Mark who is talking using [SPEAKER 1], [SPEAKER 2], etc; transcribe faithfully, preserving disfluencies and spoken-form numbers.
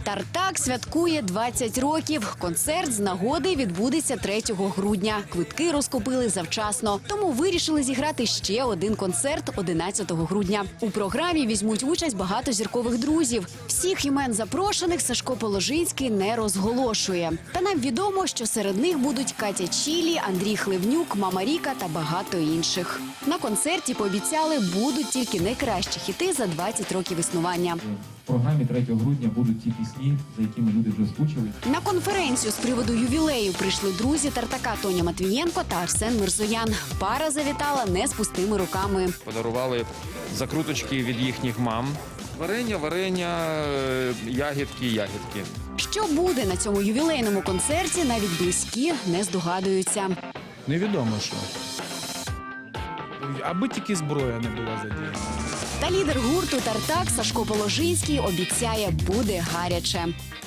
[SPEAKER 1] Тартак святкує двадцять років. Концерт з нагоди відбудеться третього грудня. Квитки розкупили завчасно, тому вирішили зіграти ще один концерт одинадцятого грудня. У програмі візьмуть участь багато зіркових друзів. Всіх імен запрошених Сашко Положинський не розголошує. Та нам відомо, що серед них будуть Катя Чілі, Андрій Хливнюк, Мама Ріка та багато інших. На концерті пообіцяли, будуть тільки найкращі хіти за двадцять років існування.
[SPEAKER 2] В програмі третього грудня будуть ті пісні, за якими люди вже скучили.
[SPEAKER 1] На конференцію з приводу ювілею прийшли друзі Тартака Тоня Матвієнко та Арсен Мирзоян. Пара завітала не з пустими руками.
[SPEAKER 3] Подарували закруточки від їхніх мам. Варення, варення, е, ягідки, ягідки.
[SPEAKER 1] Що буде на цьому ювілейному концерті, навіть близькі не здогадуються.
[SPEAKER 4] Невідомо що. Аби тільки зброя не була задіяна.
[SPEAKER 1] Та лідер гурту «Тартак» Сашко Положинський обіцяє, буде гаряче.